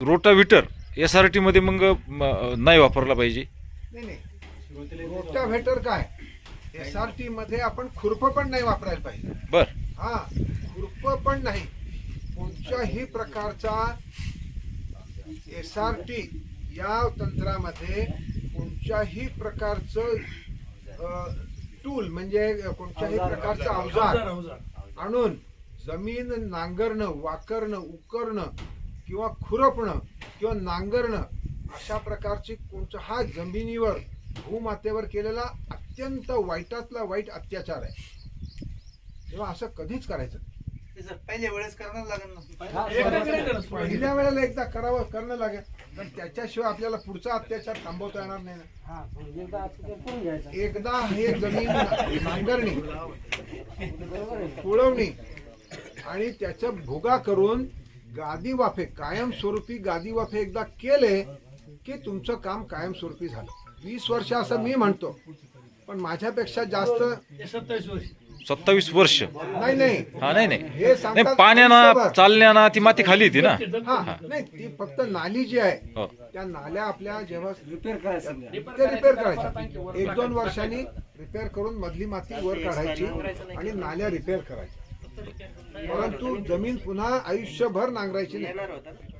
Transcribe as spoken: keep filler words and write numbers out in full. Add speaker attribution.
Speaker 1: रोटाव्हिटर S R T मध्ये मग म, नाही वापरला पाहिजे?
Speaker 2: नाही नाही, रोटाव्हेटर काय, एस आर टी मध्ये आपण खुरप पण नाही वापरायला पाहिजे.
Speaker 1: बर.
Speaker 2: हा, खुरप पण नाही. कोणत्याही प्रकारचा एस आर टी या तंत्रामध्ये कोणत्याही प्रकारचं टूल म्हणजे कोणत्याही प्रकारचं अवजार आणून जमीन नांगरणं, वाकरणं, उकरणं किंवा खुरपणं किंवा नांगरणं अशा प्रकारची कोणता हा जमिनीवर भूमातेवर केलेला अत्यंत वाईटातला वाईट अत्याचार आहे. तेव्हा असं कधीच करायचं नाही.
Speaker 3: पहिल्या वेळेस करावं लागेल ना,
Speaker 2: पहिल्या वेळेला एकदा करावं करणं लागेल, पण त्याच्याशिवाय आपल्याला पुढचा अत्याचार थांबवता येणार नाही ना. एकदा हे जमीन नांगरणी, तुळवणी आणि त्याच्या भोगा करून गादी वाफे, कायमस्वरूपी गादी वाफे एकदा केले की तुमचं काम कायमस्वरूपी झालं. वीस वर्ष असं मी म्हणतो, पण माझ्यापेक्षा जास्त
Speaker 3: सत्तावीस वर्ष
Speaker 1: सत्तावीस वर्ष
Speaker 2: नाही नाही
Speaker 1: हा नाही नाही
Speaker 2: हे
Speaker 1: नाही
Speaker 2: सांगतात
Speaker 1: पाण्यानं
Speaker 2: आयुष्यभर.
Speaker 1: चालण्यानं ती माती खाली येते ना.
Speaker 2: हा नाही, ती फक्त नाली जी आहे
Speaker 1: हो.
Speaker 2: त्या नाल्या आपल्या जेव्हा रिपेअर करायचं ते रिपेअर करायच्या, एक दोन वर्षांनी रिपेअर करून मधली माती वर काढायची आणि नाल्या रिपेअर करायच्या. परंतु जमीन पुन्हा आयुष्यभर नांगरायची नाही.